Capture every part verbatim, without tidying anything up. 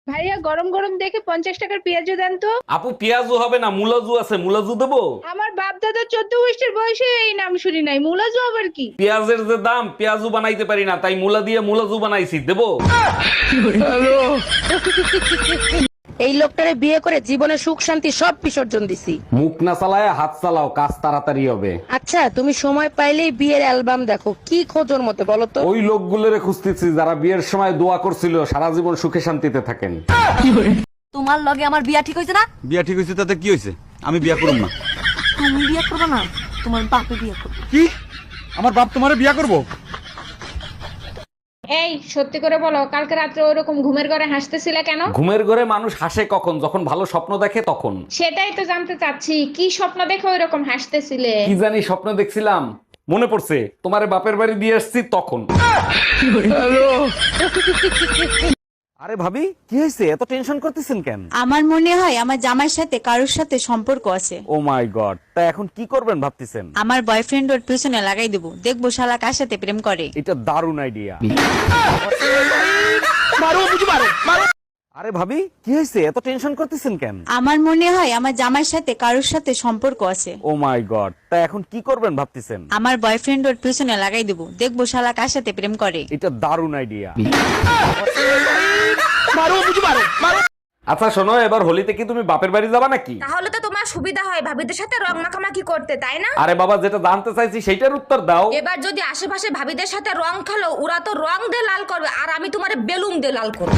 ভাইয়া গরম গরম দেখে পঞ্চাশ টাকার পেঁয়াজু দেন তো। আপু পেঁয়াজু হবে না, মুলাজু আছে, মুলাজু দেবো। আমার বাপ দাদা চোদ্দ গোষ্ঠীর বয়সে এই নাম শুনি নাই, মুলাজু আবার কি? পেঁয়াজের যে দাম, পেঁয়াজু বানাইতে পারি না, তাই মুলা দিয়ে মুলাজু বানাইছি, দেবো। এই লোকটারে বিয়ে করে জীবনে সুখ শান্তি সব বিসর্জন দিছি। মুখ না চালায় হাত চালাও, কাজ তাড়াতাড়ি হবে। আচ্ছা তুমি সময় পাইলেই বিয়ের অ্যালবাম দেখো, কি খোঁজোর মতে বলো তো? ওই লোকগুলোরে খুঁজতেছি যারা বিয়ের সময় দোয়া করছিল সারা জীবন সুখে শান্তিতে থাকেন। তোমার লগে আমার বিয়া ঠিক হয়েছে না? বিয়া ঠিক হয়েছে তাতে কি হয়েছে? আমি বিয়া করব না। তুমি বিয়া করবে না, তোমার বাপে বিয়া করবে। কি? আমার বাপ তোমারে বিয়া করব? এই সত্যি করে বলো, কালকে রাত্রে ওরকম ঘুমের ঘরে হাসতেছিলে কেন? ঘুমের ঘরে মানুষ হাসে কখন? যখন ভালো স্বপ্ন দেখে তখন। সেটাই তো জানতে চাচ্ছি, কি স্বপ্ন দেখে ওইরকম হাসতেছিলে? কি জানি স্বপ্ন দেখছিলাম, মনে পড়ছে তোমারে বাপের বাড়ি দিয়ে আসছি তখন। আরে ভাবি কি হয়েছে, এত টেনশন করতেছেন কেন? আমার মনে হয় আমার জামাইয়ের সাথে কারোর সাথে সম্পর্ক আছে। ও মাই গড, তা এখন কি করবেন ভাবতেছেন? আমার বয়ফ্রেন্ড ওর পিছনে লাগাই দেবো, দেখবো শালা কার সাথে প্রেম করে। এটা দারুণ আইডিয়া। আরে ভাবি কি হয়েছে, এত টেনশন করতেছেন কেন? আমার মনে হয় আমার জামাইয়ের সাথে কারোর সাথে সম্পর্ক আছে। ও মাই গড, তা এখন কি করবেন ভাবতেছেন? আমার বয়ফ্রেন্ড ওর পিছনে লাগাই দেবো, দেখবো শালা কার সাথে প্রেম করে। এটা দারুণ আইডিয়া। আচ্ছা শোনো, এবার হোলিতে কি তুমি বাপের বাড়ি যাবা নাকি? তাহলে তো তোমার সুবিধা হয় ভাবিদের সাথে রং মাখামাখি করতে, তাই না? আরে বাবা, যেটা জানতে চাইছি সেইটার উত্তর দাও। এবার যদি আশেপাশে ভাবিদের সাথে রং খেলো, ওরা তো রং দিয়ে লাল করবে আর আমি তোমার বেলুন দিয়ে লাল করবো।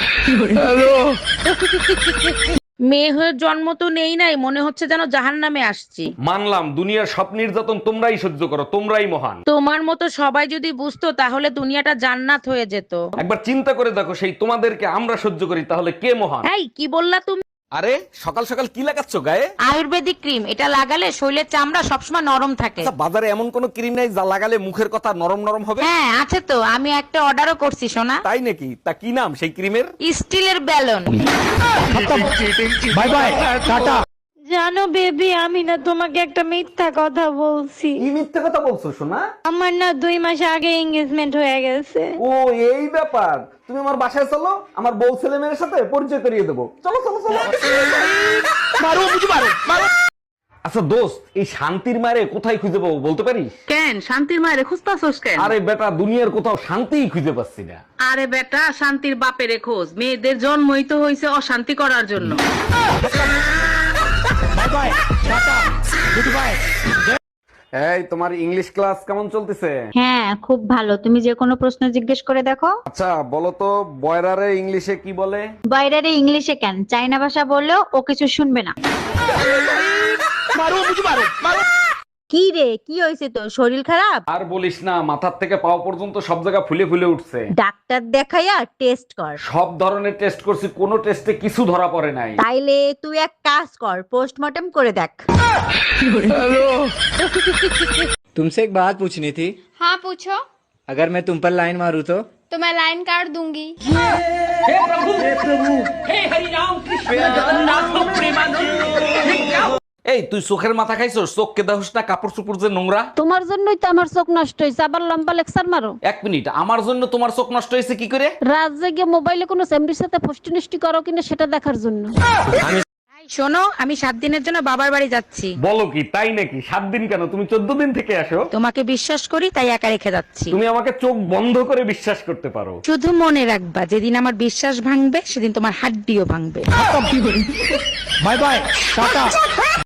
মেয়ে হয়ে জন্ম তো নেই নাই, মনে হচ্ছে যেন জাহান্নামে আসছি। মানলাম দুনিয়ার সব নির্যাতন তোমরাই সহ্য করো, তোমরাই মহান। তোমার মতো সবাই যদি বুঝতো তাহলে দুনিয়াটা জান্নাত হয়ে যেত। একবার চিন্তা করে দেখো, সেই তোমাদেরকে আমরা সহ্য করি, তাহলে কে মহান? এই কি বললা তুমি? আরে সকাল সকাল কি লাগাচ্ছ গায়ে? আয়ুর্বেদিক ক্রিম, এটা লাগালে শরীরের চামড়া সবসময় নরম থাকে। আচ্ছা, বাজারে এমন কোন ক্রিম নাই যা লাগালে মুখের কথা নরম নরম হবে? হ্যাঁ আছে তো, আমি একটা অর্ডারও করছি সোনা। তাই নাকি? তা কি নাম সেই ক্রিমের? স্টিলের ব্যালন। Bye bye, tata. জানো বেবি, আমি না তোমাকে একটা মিথ্যা কথা বলছি। কি মিথ্যে কথা বলছো সোনা? আমার না দুই মাস আগে এঙ্গেজমেন্ট হয়ে গেছে। ও এই ব্যাপার, তুমি আমার বাসায় চলো, আমার বউ ছেলে মেয়ের সাথে পরিচয় করিয়ে দেবো। চলো চলো চলো। মারো বুঝি মারো মারো। আচ্ছা দোস্ত, এই শান্তির মারে কোথায় খুঁজে পাবো বলতে পারিস? কেন শান্তির মায়ের খুঁজতাছস কেন? আরে বেটা, দুনিয়ার কোথাও শান্তিই খুঁজে পাচ্ছি না। আরে বেটা, শান্তির বাপের খোঁজ। মেয়েদের জন্মই তো হয়েছে অশান্তি করার জন্য। এই তোমার ইংলিশ ক্লাস কেমন চলতেছে? হ্যাঁ খুব ভালো, তুমি যে কোনো প্রশ্ন জিজ্ঞেস করে দেখো। আচ্ছা বলো তো, বয়রারে ইংলিশে কি বলে? বাইরে ইংলিশে কেন, চাইনা ভাষা বললেও ও কিছু শুনবে না। কি রে, কি হয়েছে তোর? শরীর খারাপ? আর বলিস না, মাথার থেকে পাও পর্যন্ত সব জায়গা ফুলে ফুলে উঠছে। ডাক্তার দেখাইয়া টেস্ট কর। সব ধরনের টেস্ট করছি, কোনো টেস্টে কিছু ধরা পড়ে নাই। তাইলে তুই এক কাজ কর, পোস্টমর্টম করে দেখ। तुमसे एक बात पूछनी थी। हाँ पूछो। अगर मैं तुम पर लाइन मारूं तो? तो मैं लाइन काट दूंगी। এই তুই চোখের মাথা খাইছস? চোখকে দেখোস না কাপড় চোপড় যে নোংরা? তোমার জন্যই তো আমার চোখ নষ্ট হয়েছে, আবার লম্বা লেকচার মারো। এক মিনিট, আমার জন্য তোমার চোখ নষ্ট হয়েছে কি করে? রাত জেগে মোবাইলে কোনো সেমরির সাথে ফষ্টি নষ্টি করো কিনা সেটা দেখার জন্য। এই শোনো, আমি সাত দিনের জন্য বাবার বাড়ি যাচ্ছি। বলো কি, তাই নাকি? সাত দিন কেন, তুমি চোদ্দ দিন থেকে আসো। তোমাকে বিশ্বাস করি তাই একা রেখে যাচ্ছি। তুমি আমাকে চোখ বন্ধ করে বিশ্বাস করতে পারো। শুধু মনে রাখবা, যেদিন আমার বিশ্বাস ভাঙবে সেদিন তোমার হাড্ডিও ভাঙবে। Bye bye, tata.